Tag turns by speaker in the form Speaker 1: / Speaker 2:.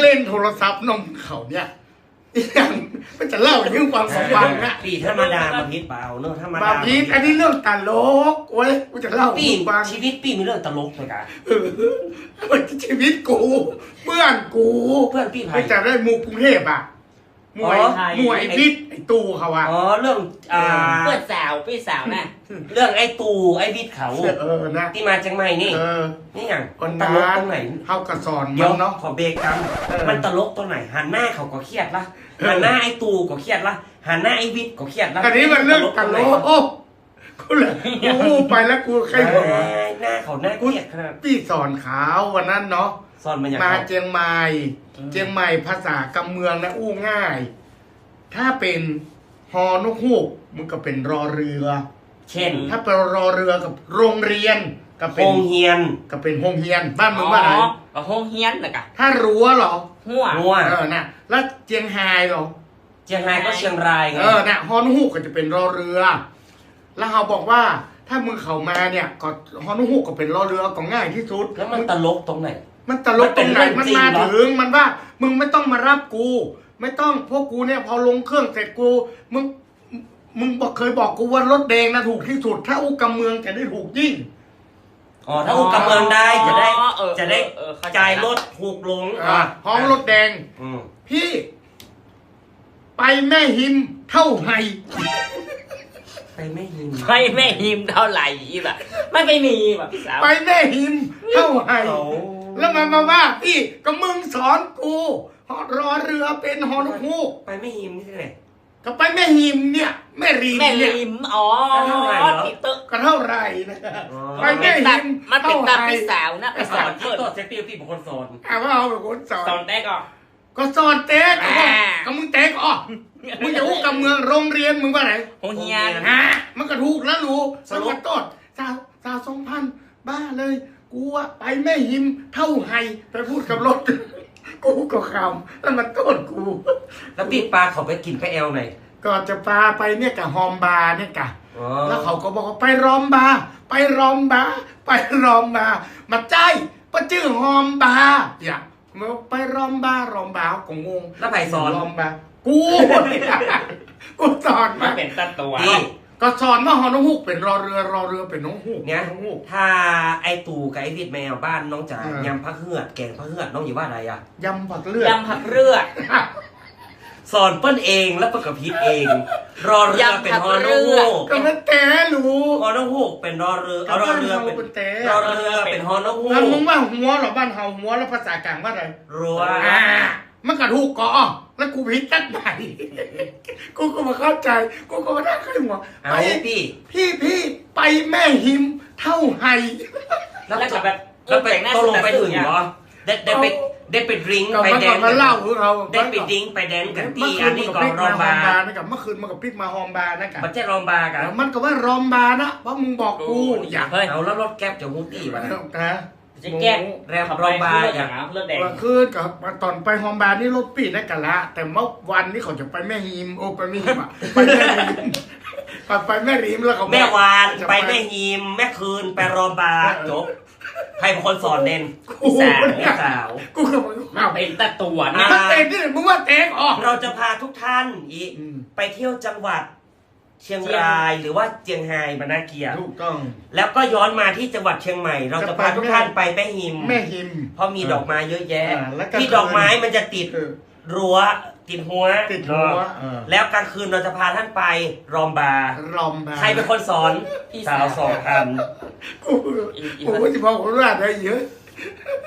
Speaker 1: ล่นโทรศัพท์นมเขาเนี่ยอย่างมันจะเล่าเรื่องความสัมพันธ์นะ
Speaker 2: ปีธรรมดามาพิษเปล่าเนอะธรรมดา
Speaker 1: บาพีอันนี้เรื่องตลกโอ้ยกูจะเล่า
Speaker 2: ปี
Speaker 1: ฟัง
Speaker 2: ชีวิตปีมีเรื่องตลกเลยกัน
Speaker 1: มันชีวิตกูเพื่อนกู
Speaker 2: เพื่อนพี่ไผ่
Speaker 1: ไม่จะได้หมู่กรุงเทพอ่ะมวยมวยไอ้พิษไอ้ตูเขาอ่ะ
Speaker 2: อ๋อเรื่อง
Speaker 3: เพื่อนสาวพี่สาวน่ะ
Speaker 2: เรื่องไอ้ตูไอ้บิดเขา
Speaker 1: นะ
Speaker 2: ที่มาจังใหม่นี่ นี่อย่าง
Speaker 1: คน
Speaker 2: ต
Speaker 1: นั้
Speaker 2: ลก
Speaker 1: น
Speaker 2: ตรงไหน
Speaker 1: เขากระสอน
Speaker 2: เดี๋ยว
Speaker 1: เนาะ
Speaker 2: ขอเบรกกันมันตลกตรงไหนหันหน้าเขาก็เครียดละหันหน้าไอ้ตูก็เครียดละหันหน้าไอ้บิดก็เครียดละ
Speaker 1: อันนี้มันเรื่องตลกกูเลยกูไปแล้วกูใครบอก
Speaker 2: หน้าเขาหน้าเครียดขนาด
Speaker 1: พี่สอนขาววันนั้นเนาะ
Speaker 2: สอนมันอย่าง
Speaker 1: มาเจียงใหม่เจียงใหม่ภาษากำเมืองนะอู้ง่าย ถ้าเป็นฮอนกฮูกมันก็เป็นรอเรือ
Speaker 2: เช่น
Speaker 1: ถ้าเป็นรอเรือกับโรงเรียนก็
Speaker 2: โฮ
Speaker 1: เป็น
Speaker 2: งเฮียน
Speaker 1: ก็เป็นโฮงเฮียนบ้านมึงว่าไง
Speaker 3: อ๋อห้องเฮียนนะกะ
Speaker 1: ถ้ารั้วเหรอ
Speaker 3: หัว
Speaker 2: งัว
Speaker 1: น่ะแล้วเจียงไฮ้เหรอ
Speaker 2: เชียงรายก็เชียงรายไง
Speaker 1: น่ะฮอนกฮูกก็จะเป็นรอเรือ แล้วเขาบอกว่าถ้ามึงเข้ามาเนี่ยก็ฮอนกฮูกก็เป็นรอเรือก็ง่ายที่สุด
Speaker 2: แล้วมันตลกตรงไหน
Speaker 1: มันตลกตรงไหน
Speaker 2: มั
Speaker 1: มัน
Speaker 2: นเป็น
Speaker 1: มา
Speaker 2: เรื่องจริงเหรอ
Speaker 1: ถึงมันว่ามึงไม่ต้องมารับกู ไม่ต้องพวกกูเนี่ยพอลงเครื่องเสร็จกูมึงบอกเคยบอกกูว่ารถแดงนะถูกที่สุด ถ้าอุกกำเมืองจะได้ถูกยิ่ง
Speaker 2: อ๋อถ้าอุกกำเมืองได้จะได้
Speaker 3: เออ
Speaker 2: จะได้
Speaker 3: เข้ใจ
Speaker 2: จ่ายรถถูกลง
Speaker 1: ห้องรถแดง
Speaker 2: อืม
Speaker 1: พี่ ไปแม่หิมเท่าไหร่
Speaker 2: ไปไม่ยิน
Speaker 3: ไม่แม่หิมเท่าไหร่อีแบบไม่มีแบบพี่สาว
Speaker 1: ไปแม่หิมเท่าไหร่
Speaker 2: เขา
Speaker 1: แล้วมันมาว่าพี่ก็มึงสอนกูรอเรือเป็นฮอนกฮูก
Speaker 2: ไปไม่ยิมนี่ที่ไหน
Speaker 1: ก็ไปแม่หิมเนี่ยแม่รีม
Speaker 3: แม่
Speaker 1: เนี่ย
Speaker 3: ลิมอ๋อ
Speaker 2: เท่าไหร่เหรอ
Speaker 3: ติดเตอะ
Speaker 1: ก็เท่าไหร่นะ
Speaker 2: อ๋อ
Speaker 1: ไปแม่หิม
Speaker 3: มันเป็น
Speaker 1: เท่า
Speaker 3: ตา
Speaker 1: ไหร่
Speaker 3: พี่สาวนะไป
Speaker 2: ส
Speaker 3: ส
Speaker 2: อ
Speaker 3: อน น
Speaker 2: ที่
Speaker 3: เพื่อน
Speaker 2: ตัวเซฟตี้พี่เป็นคนสอน
Speaker 1: ว่าเอาเป็นคนสอน
Speaker 3: สอนได้ก่อน
Speaker 1: ก็สอนเต๊ก
Speaker 3: อ่า
Speaker 1: ก็มึงเต๊กอ๋อมึงจะอู้กับเมืองโรงเรียนมึงว่าไหน
Speaker 3: โรงเฮียน
Speaker 1: ฮะมันก็ถูกแล้วรู้
Speaker 2: ส
Speaker 1: ส
Speaker 2: รุป
Speaker 1: มัครต้นสาว2,000บ้าเลยกูว่าไปแม่หิมเท่าไหร่ไปพูดกับรถ กูก็คำแล้วมันต้นกู
Speaker 2: แล้วปีปลาเขาไปกินไปแอลไหน
Speaker 1: ก่อนจะพาไปเนี่ยกับฮอมบาร์เนี่ยกะ
Speaker 2: อ๋อ
Speaker 1: แล้วเขาก็บอกว่าไปรอมบาร์ไปรอมบาร์ไปรอมบาร์มาใจประชื่อฮอมบาร์อย่าไปรอมบาร์ก็งง
Speaker 2: แล้วไผ่สอน
Speaker 1: รอมบาร์กูเนี่ยกูสอน
Speaker 3: มั
Speaker 1: มาน
Speaker 3: เป็นตัตัว
Speaker 2: นี่
Speaker 1: ก็สอนว่าฮอนกฮูกเป็นรอเรือเป็นน้องฮูก
Speaker 2: เนี่ย
Speaker 1: น้องฮูก
Speaker 2: ถ้าไอตู่กับไอวิดแมวบ้านน้องจ๋า
Speaker 1: อ่าย
Speaker 2: ยำผักเหือดแกงผักเหือดน้องอยู่บ้านอะไรอ่ะ
Speaker 1: ยำผักเลือด
Speaker 3: ยำผักเรือ
Speaker 2: สอนเปิ้ลเองแล้วประกบพิษเอง รอเรือเป็นฮอนกฮูก
Speaker 1: ก็มันแต่รู้
Speaker 2: ฮอนกฮูกเป็นรอเรือเอารอเรือเป็น
Speaker 1: แต่
Speaker 2: รอเรือเป็นฮอนกฮู
Speaker 1: แล้วมึง
Speaker 2: ก
Speaker 1: ว่าหัวเหรอบ้านเฮาหัวแล้วภาษากลางว่าอะไร
Speaker 2: รัว
Speaker 1: มันกระถูกก่อแล้วกูผิดตั้งไหน กูก็มาเข้าใจกูก็มาได้ขึ้นหัว
Speaker 2: เอา
Speaker 1: ไป
Speaker 2: พี่
Speaker 1: ไปแม่หิมเท่าไหร่
Speaker 2: แล้ว
Speaker 3: แล้วก็แบบ
Speaker 2: แล้วไปตกลงไปถึงเหรอได้ไปดริง
Speaker 1: ก็
Speaker 2: ไป
Speaker 1: มัน
Speaker 2: แด
Speaker 1: ก็
Speaker 2: น
Speaker 1: มาเล่าเรา
Speaker 2: ได้ไปดริงไปแดนกัน
Speaker 1: เมื่
Speaker 2: ที่
Speaker 1: อคื
Speaker 2: อั
Speaker 1: น
Speaker 2: น
Speaker 1: มัน
Speaker 2: นี้
Speaker 1: ก็
Speaker 2: ก่อ
Speaker 1: พ
Speaker 2: น
Speaker 1: ลิก
Speaker 2: รอ
Speaker 1: มา
Speaker 2: ม
Speaker 1: ฮอม
Speaker 2: บา
Speaker 1: บาร์นะครับเมื่อคืนมันก็พลิกมาฮอมบาร์นะกับ
Speaker 2: มันจะรอมบากัน
Speaker 1: มันก็ว่ารอมบาร์นะเพราะมึงบอกกูอยาก
Speaker 3: เฮ้ย
Speaker 2: เอาแล้วรถแก๊ปจะฮูตี้วะ
Speaker 1: นะ
Speaker 3: จะแก้
Speaker 2: แรมรอมบาอย่าง
Speaker 3: เลือดแดง
Speaker 1: เมื่อคืนกับตอนไปฮอมบาร์นี่รถปิดได้กันละแต่เมื่อวันนี้เขาจะไปแม่หิมไปแม่หิมอะไปแม่หิมไปแม่หิมแล้วเขา
Speaker 2: แม่วานไปแม่ฮิมแม่คืนไปรอมบาจบใครเป็นคนสอนเด่น
Speaker 1: กู
Speaker 2: สาวแม่สาว
Speaker 1: กูก็มึง
Speaker 3: มันเป็นตัตัวนะ
Speaker 1: มันเตะนี่มึงว่าเตะออก
Speaker 2: เราจะพาทุกท่านไปเที่ยวจังหวัดเชียงรายหรือว่าเจียงไฮ้บรรณาเกียรติ
Speaker 1: ถูกต้อง
Speaker 2: แล้วก็ย้อนมาที่จังหวัดเชียงใหม่ เราจะพาทุกท่านไปแม่ฮิม
Speaker 1: แม่หิม
Speaker 2: เพราะมีดอกไม้เยอะแยะ
Speaker 1: แล้วก็
Speaker 2: ที่ดอกไม้มันจะติด
Speaker 1: เออ
Speaker 2: รั้วติดหัว
Speaker 1: ติดหัว
Speaker 2: แล้วกลางคืนเราจะพาท่านไปรอมบาร์
Speaker 1: รอมบาร์
Speaker 2: ใครเป็นคนสอนสาวสองอัน
Speaker 1: กูจะบอกว่าได้เยอะ